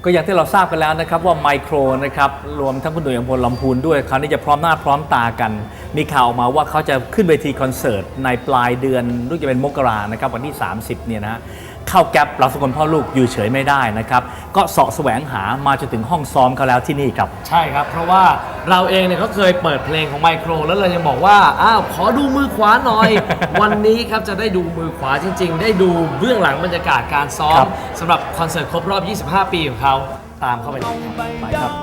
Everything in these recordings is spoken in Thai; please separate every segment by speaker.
Speaker 1: ก็อย่างที่เราทราบกันแล้วนะครับว่าไมโครนะครับรวมทั้งคุณหนุ่ยอำพลลำพูนด้วยคราวนี้จะพร้อมหน้าพร้อมตากัน มีข่าวออกมาว่าเขาจะขึ้นเวทีคอนเสิร์ตในปลายเดือนรู้จะเป็นมกรานะครับวันที่ 30เนี่ยนะเข้าแก๊ปเราสกุลพ่อลูกอยู่เฉยไม่ได้นะครับก็เสาะแสวงหามาจนถึงห้องซ้อมเขาแล้วที่นี่ครับ
Speaker 2: ใช่ครับเพราะว่าเราเองเนี่ยก็เคยเปิดเพลงของไมโครแล้วเรายังบอกว่าอ้าวขอดูมือขวาหน่อย วันนี้ครับจะได้ดูมือขวาจริงๆได้ดูเบื้องหลังบรรยากาศการซ้อมสำหรับคอนเสิร์ตครบรอบ 25 ปีของเขาตามเข้าไปเลยครับ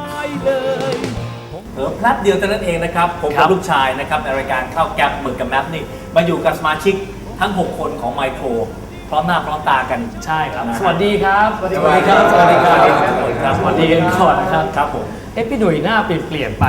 Speaker 1: แป๊บเดียวเท่านั้นเองนะครับผมกับลูกชายนะครับในรายการเข้าแก๊ปเหมือนกับแมปนี่มาอยู่กับสมาชิกทั้ง 6 คนของไมโครพร้อมหน้าพร้อมตากัน
Speaker 2: ใช่ครับสวัสดีครับ
Speaker 1: สวัสดีครับสวัสดีครับ
Speaker 2: สวัสดีกันก่อนนะครับ
Speaker 1: ครับผม
Speaker 2: พี่หนุ่ยหน้าเปลี่ยนไป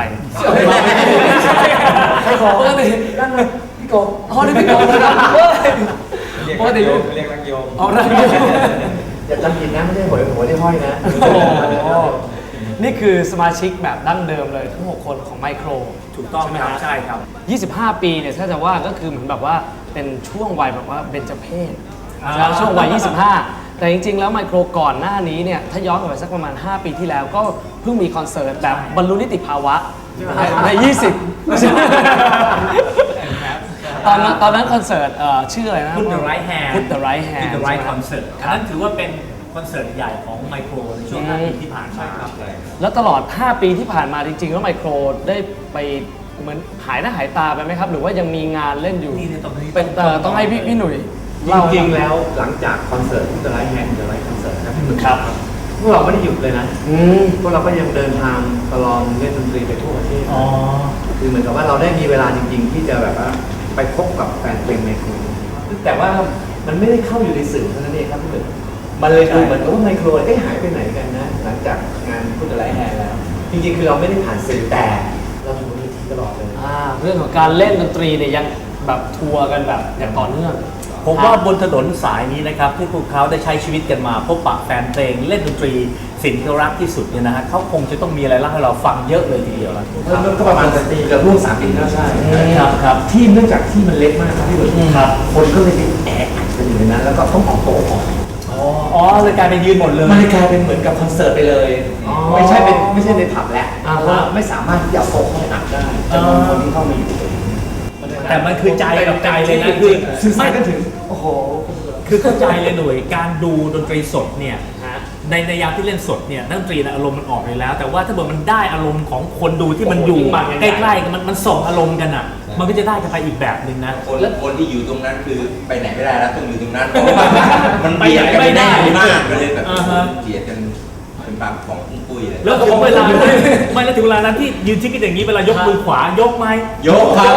Speaker 2: ปกตินั่นเลยพี่กบนี่พี่กบนะครับปกติ
Speaker 3: เรียกรักโยม
Speaker 2: รักโยม
Speaker 4: อย่าจำผิดนะไม่ใช่หัวได้ห้อยนะ
Speaker 2: นี่คือสมาชิกแบบดั้งเดิมเลยทั้ง6คนของไมโคร
Speaker 1: ถูกต้องไหมครับใช่ครับ
Speaker 2: 25 ปีเนี่ยถ้าจะว่าก็คือเหมือนแบบว่าเป็นช่วงวัยแบบว่าเบญจเพศช่วงวัย 25 แต่จริงๆแล้วไมโครก่อนหน้านี้เนี่ยถ้าย้อนกลับไปสักประมาณ 5 ปีที่แล้วก็เพิ่งมีคอนเสิร์ตแบบบรรลุนิติภาวะใน 20 ตอนนั้นคอนเสิร์ตชื่ออะไรนะ
Speaker 1: Put the Right Hand
Speaker 2: Put the Right Hand
Speaker 1: Put the Right Concert อันนั้นถือว่าเป็นคอนเสิร์ตใหญ่ของไมโครในช่วง5 ปีที่ผ่านมาครับ
Speaker 2: แล้วตลอด 5 ปีที่ผ่านมาจริงๆแล้วไมโครได้ไปเหมือนหายหน้าหายตาไปไหมครับหรือว่ายังมีงานเล่นอยู่เป็นต้องให้พี่หนุ่ย
Speaker 4: จริงๆแล้วหลังจากคอนเสิร์ตที่The Right Hand The Right Concert นะพี่หนุ่ย
Speaker 2: ครับ
Speaker 4: พวกเราไม่ได้หยุดเลยนะพวกเราก็ยังเดินทางตลอดเล่นดนตรีไปทั่วประเทศคือเหมือนกับว่าเราได้มีเวลาจริงๆที่จะแบบว่าไปพบกับแฟนเพลงไมโครแต่ว่ามันไม่ได้เข้าอยู่ในสื่อเท่านั้นเองครับพี่หนุ่ยมันเลยดูเหมือนกับว่าไมโครหายไปไหนกันนะหลังจากงานพูดอะไรแฮร์แล้วจริงๆคือเราไม่ได้ผ่านสื่อแต่เราอยู่บนเวทีตลอดเลย
Speaker 2: เรื่องของการเล่นดนตรีเนี่ยยังแบบทัวร์กันแบบอย่างต่อเนื่อง
Speaker 1: ผมว่าบนถนนสายนี้นะครับที่พวกเขาได้ใช้ชีวิตกันมาพบปะแฟนเพลงเล่นดนตรีสิ่งที่รักที่สุดเนี่ยนะฮะเขาคงจะต้องมีอะไรเล่าให้เราฟังเยอะเลยทีเดียวแล้ว
Speaker 4: ก็ประมาณปีเกือบร่วม3 ปีแล้วใช่
Speaker 1: ครับ
Speaker 4: ที่เนื่องจากที่มันเล็กมากครับพี่หนุ่มคนก็เลยไปแออัดกันอยู่ในนั้นแล้วก็ต้องออกโต๊ะออก
Speaker 1: เลยกลายเป็นยืนหมดเลย
Speaker 4: มันเลยกลายเป็นเหมือนกับคอนเสิร์ตไปเลยไม่ใช่ในผับแล้วเพราะว่าไม่สามารถที่จะโต๊ะเข้าไปอัดได้จำนวนคนที่เข้ามาอยู่
Speaker 1: แต่มันคือใจกับใจเลยนะคือ
Speaker 4: สื่อสารกันถึงโอ้โห
Speaker 1: คือเข้าใจเลยหน่วยการดูดนตรีสดเนี่ยในยามที่เล่นสดเนี่ยดนตรีอารมณ์มันออกไปแล้วแต่ว่าถ้าเกิดมันได้อารมณ์ของคนดูที่มันอยู่ใกล้ๆกันมันส่งอารมณ์กันอ่ะมันก็จะได้กันไปอีกแบบหนึ่งนะ
Speaker 3: คนที่อยู่ตรงนั้นคือไปไหนไม่ได้แล้วต้องอยู่ตรงนั้นเพราะว่ามันเบียดกันไม่ได้มากเลยแบบเบียดกันเป็นบางของปุ้ยเลย
Speaker 1: แล้วถึงเวลาไม่แล้วถึงเวลานั้นที่ยืนชิดกันอย่างนี้เวลายกมือขวายกไหม
Speaker 3: ยกครับ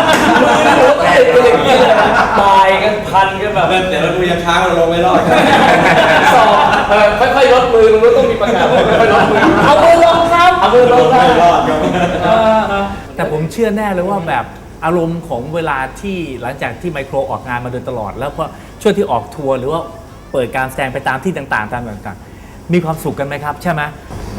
Speaker 2: ตายกันพันกันแบบ
Speaker 3: แต่เราดูยังช้าเราลงไม่รอด
Speaker 2: สอบค่อยๆลดมือมันต้องมีประกาศค่อยๆลดมือเอามือลงครับเอามือลง
Speaker 3: ไม่รอด
Speaker 1: แต่ผมเชื่อแน่เลยว่าแบบอารมณ์ของเวลาที่หลังจากที่ไมโครออกงานมาโดยตลอดแล้วก็ช่วงที่ออกทัวร์หรือว่าเปิดการแสดงไปตามที่ต่างๆตามต่างๆมีความสุขกันไหมครับใช่ไหม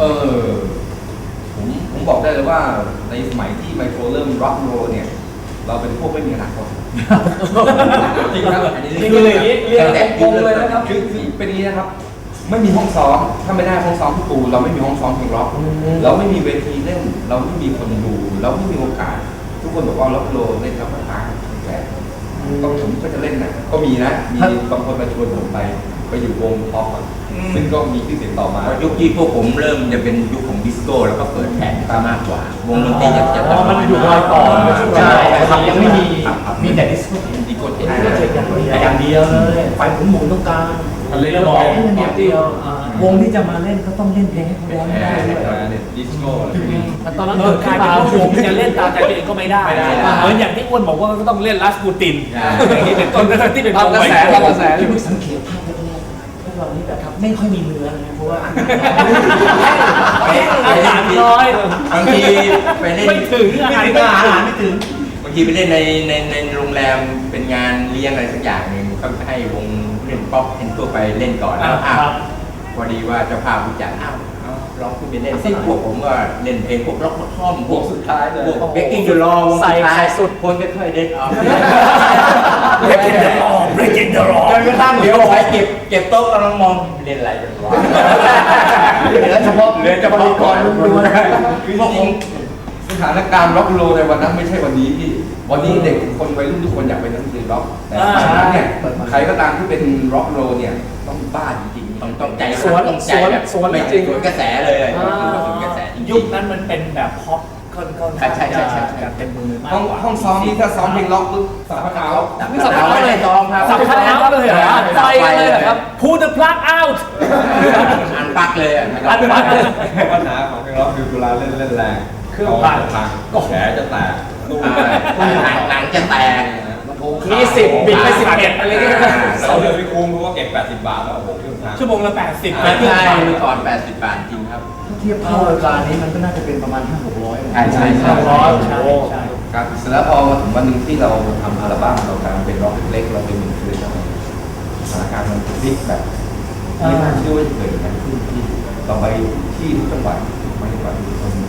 Speaker 3: ผมบอกได้เลยว่าในสมัยที่ไมโครเริ่มร็อกโรเนี่ยเราเป็นพวกไม่มีอนาคตจริงครับอันนี้
Speaker 2: เรียกแต่ยุคเลยนะครับ
Speaker 3: คือเป็นอย่างนี้นะครับไม่มีห้องซ้อมถ้าไม่ได้ห้องซ้อมทุกตูเราไม่มีห้องซ้อมเพลงร็อกเราไม่มีเวทีเล่นเราไม่มีคนดูเราไม่มีโอกาสทุกคนบอกว่าร็อกโรเล่นกับมาตาแต่ก็ผมก็จะเล่นนะก็มีนะมีบางคนมาชวนผมไปอยู่วงท็อปซึ่งก็มีชื่อเสียงต่อมา
Speaker 5: ยุคที่พวกผมเริ่มจะเป็นยุคของดิสโก้แล้วก็เปิดแผ่นมากกว่าวงดนตรีจะ
Speaker 2: มันอยู่รอยต่อ
Speaker 4: ใช่ครับยังไม่มีแต่ดิสโก้อย่างเดียวเลยไฟหมุนตรงกลาง
Speaker 2: เลยเราบอก
Speaker 4: อย่างเดียววงที่จะมาเล่นก็ต้องเล่นเพลงให้เขาร้องได้
Speaker 3: ด้วยดิสโก้
Speaker 2: ตอนนั้นเกิดขึ้นมาวง
Speaker 1: จะเล่นตามใจตัวเองก็ไม่ได้เหมือนอย่างที่อ้วนบอกว่าก็ต้องเล่นลาสปูตินอย่างนี้เป็นต้นที่เป็น
Speaker 2: กระแส
Speaker 4: ที่สังเกตภาพแรกๆพวกเรานี่แบบไม่ค่อยมีเนื้อนะเพราะว่า
Speaker 1: อาหารน้อย
Speaker 3: บางทีไปเล่น
Speaker 1: ไม่ถึงอาหาร
Speaker 4: ไม่ถึง
Speaker 3: บางทีไปเล่นในโรงแรมเป็นงานเลี้ยงอะไรสักอย่างหนึ่งก็ให้วงเล่นป๊อปเล่นทั่วไปเล่นก่อนแล้วพอดีว่าเจ้าภาพวิจารณ์ร
Speaker 5: ร้องขึ้นไปเล่นที่พวกผมก็เล่นเพลงพวกร็อกคอมพวก
Speaker 3: สุดท้ายเลย
Speaker 5: พวกเบกกิ้งยูโรวงสุดท้ายสุดคนก็ค่อยเล่นเอา
Speaker 1: breaking the law breaking the law
Speaker 5: จนกระทั่งเดี๋ยวไปเก็บโต๊ะกำลังมองเล่นอะไรกันวะ
Speaker 4: เหลือเฉพาะ
Speaker 5: เหลือเฉพาะก่อนล้วนๆ
Speaker 3: คือจริงๆสถานการณ์ร็อกโรในวันนั้นไม่ใช่วันนี้พี่วันนี้เด็กคนวัยรุ่นทุกคนอยากเป็นนักดนตรีร็อกแต่วันนั้นเนี่ยใครก็ตามที่เป็นร็อกโรเนี่ยต้องบ้าจริงๆ
Speaker 5: ต้องใจ
Speaker 2: สวน
Speaker 5: ต้องใจแบบ
Speaker 2: สวน
Speaker 5: ไม่
Speaker 2: จริง
Speaker 5: สวนกระแสเลยสวนกระแสจริงๆ
Speaker 1: ยุคนั้นมันเป็นแบบพ็อปค่อนข้าง
Speaker 5: ใช่ใช่ใช่
Speaker 1: จะเต็มมือมาก
Speaker 3: ห้อง
Speaker 1: กว่า
Speaker 3: ห้องซ้อมนี่ถ้าซ้อมเพลงร็อกปุ๊บสับขา
Speaker 2: นี่สับขาเลย
Speaker 5: ซ้อมครับ
Speaker 2: สับคัทเอาท์เลยเหรอไฟกันเลยเหรอครับ
Speaker 1: Pull the plug out
Speaker 5: อันปักเลยอ่ะ
Speaker 2: อันปักเลย
Speaker 6: ปัญหาของเพลงร็อกคือเวลาเล่นแรง
Speaker 2: เครื่องปั่น
Speaker 6: พังแผลจะแตก
Speaker 5: หนังจะแตก
Speaker 2: มี10บิดไป11อะไรเงี้ย
Speaker 6: เราเลยไม่คุ้มเพราะว่าเก็บ 80 บาทแล้วโอ้โหครึ่งทาง
Speaker 1: ชั่วโมงละ 80
Speaker 5: ใช่เมื่อก่อน80 บาทจริงครับ
Speaker 4: ถ้าเทียบเท่าเวลานี้มันก็น่าจะเป็นประมาณ 500-600
Speaker 5: ใช่ใช่
Speaker 1: ใช่ใช่
Speaker 3: ครับเสร็จแล้วพอมาถึงวันหนึ่งที่เราทำอัลบั้มเรากลายเป็นร็อกเล็กๆเราเป็นหนึ่งคือสถานการณ์มันพลิกแบบไม่น่าเชื่อว่าจะเกิดอย่างนั้นขึ้นที่เราไปที่ทุกจังหวัดไม่จังหวัดมีคน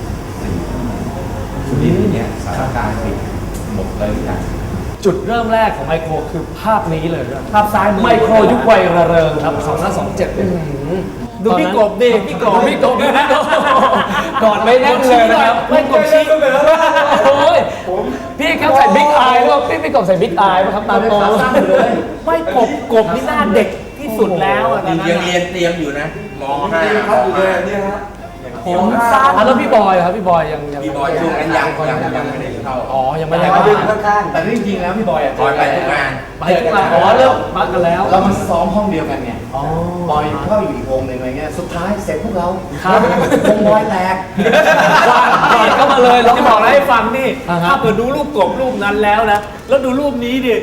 Speaker 3: 4สุดที่เนี่ยสถานการณ์ปิดหมดเลยทุกอย่าง
Speaker 2: จุดเริ่มแรกของไมโครคือภาพนี้เลยครับ
Speaker 1: ภาพซ้ายมือ
Speaker 2: ไมโครยุควัยระเริงครับ2527เนี่ย
Speaker 1: ดูพี่กบดิพี่กบ
Speaker 2: พี่กบก่อนไม่แน่นเลยนะครับ
Speaker 1: ไม่กบชี้
Speaker 2: โอ้ยพี่ครับใส่บิ๊กอายด้วยพี่กบใส่บิ๊กอายป่ะครับตาโต
Speaker 1: ไม่กบนี่หน้าเด็กที่สุดแล้วอะตอนนั้น
Speaker 5: ยัง
Speaker 1: อะ
Speaker 5: เรียนเตรียมอยู่นะม .5
Speaker 3: ครับอยู่เลยเนี่ยฮะ
Speaker 1: ผมสั้น
Speaker 2: แล้วพี่บอยครับพี่บอยยัง
Speaker 5: พี่บอยช่วงนั้นยังไม่ได้เข้า
Speaker 2: อ๋อยังไม่ได้
Speaker 4: แต่
Speaker 2: มา
Speaker 4: ว่าดึงข้างๆแต่จริงๆแล้วพี่บอยอ่ะ
Speaker 5: บอยไปทุกงาน
Speaker 2: ไปทุกงานอ๋อเริ่มมากันแล้ว
Speaker 4: เรามาซ้อมห้องเดียวกันไง
Speaker 2: อ๋อบ
Speaker 4: อยเข้าอยู่อีกวงหนึ่งอะไรเงี้ยสุดท้ายเสร็จพวกเรา
Speaker 2: ครับ
Speaker 4: วงบอยแตก
Speaker 2: ก่อนเข้ามาเลย
Speaker 1: เราจะบอกอะไรให้ฟังนี่
Speaker 2: อ่าฮะ
Speaker 1: ถ้าเปิดดูรูปกบรูปนั้นแล้วนะ แล้วดูรูปนี้ดิ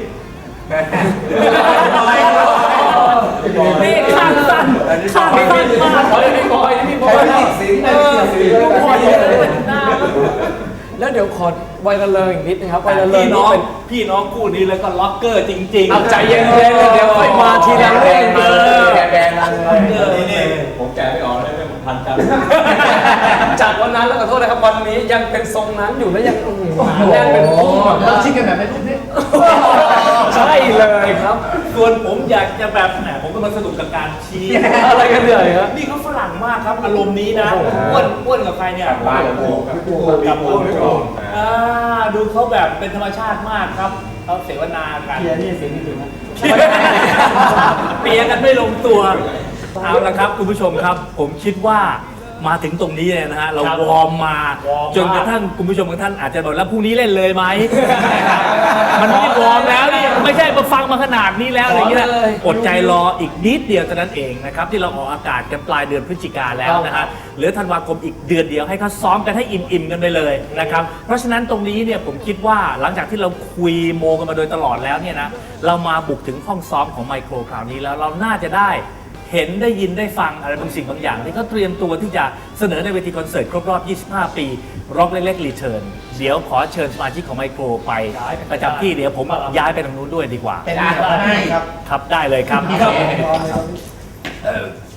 Speaker 1: นี่ข้างสั้นข้างสั้นมาก
Speaker 2: บอยพี่บอยพี่บอย
Speaker 1: ลูกพอเยอะเลยหน้า
Speaker 2: แล้วเดี๋ยวขอวัยระเริงอีกนิดนะครับวัยระเริ
Speaker 1: พี่
Speaker 2: ง
Speaker 1: น้อง
Speaker 2: เป็น
Speaker 1: พี่น้องคู่นี้แล้วก็ล็อกเกอร์จริงๆ
Speaker 2: เอาใจเย็นๆเดี๋ยวค่อยมาทีละเรื่อง
Speaker 5: แบน
Speaker 6: นี่ผมแกะไม่ออกเลยมันพันกัน
Speaker 2: จากวันนั้นแล้วขอโทษนะครับวันนี้ยังเป็นทรงนั้นอยู่แล้วยังแน่นเป็นพุ่มอะ
Speaker 4: เราชิดกันแบบในรูปนี้
Speaker 2: ใช่เลยครับ
Speaker 1: ส่วนผมอยากจะแบบแหมผมก็มาสนุกกับการชี้
Speaker 2: อะไรกันเหนื่อยครับ
Speaker 1: นี่เขาฝรั่งมากครับอารมณ์นี้นะ
Speaker 2: โอ้โห
Speaker 1: อ้วนกับใครเนี่ย
Speaker 6: บ้านโอ้กับโอ้
Speaker 1: อ่าดูเขาแบบเป็นธรรมชาติมากครับเขาเสวนากัน
Speaker 4: เพียนี่เสียงนี่ถึงนะ
Speaker 1: เปียกันไม่ลงตัวเอาละครับคุณผู้ชมครับ ผมคิดว่ามาถึงตรงนี้เลยนะฮะเราวอร์มมา จนกระทั่งคุณผู้ชมบางท่านอาจจะบอกแล้วพรุ่งนี้เล่นเลยไหม มันไม่ได้วอร์มแล้วนี่ไม่ใช่มาฟังมาขนาดนี้แล้วอะไรอย่างเงี้ยอดใจรออีกนิดเดียวเท่านั้นเองนะครับที่เราออกอากาศกันปลายเดือนพฤศจิกาแล้วนะฮะเหลือธันวาคมอีกเดือนเดียวให้เขาซ้อมกันให้อิ่มๆกันไปเลยนะครับเพราะฉะนั้นตรงนี้เนี่ยผมคิดว่าหลังจากที่เราคุยโมกันมาโดยตลอดแล้วเนี่ยนะเรามาบุกถึงห้องซ้อมของไมโครคราวนี้แล้วเราน่าจะได้เห็นได้ยินได้ฟังอะไรบางสิ่งบางอย่างที่เขาเตรียมตัวที่จะเสนอในเวทีคอนเสิร์ตครบรอบ 25 ปีร็อกเล็กๆรีเทิร์นเดี๋ยวขอเชิญสมาชิกของไมโครไปประจำที่เดี๋ยวผมย้ายไปทางนู้นด้วยดีกว่า
Speaker 4: เป็นแบบให้ครับ
Speaker 1: ครับได้เลยครับ
Speaker 5: เออ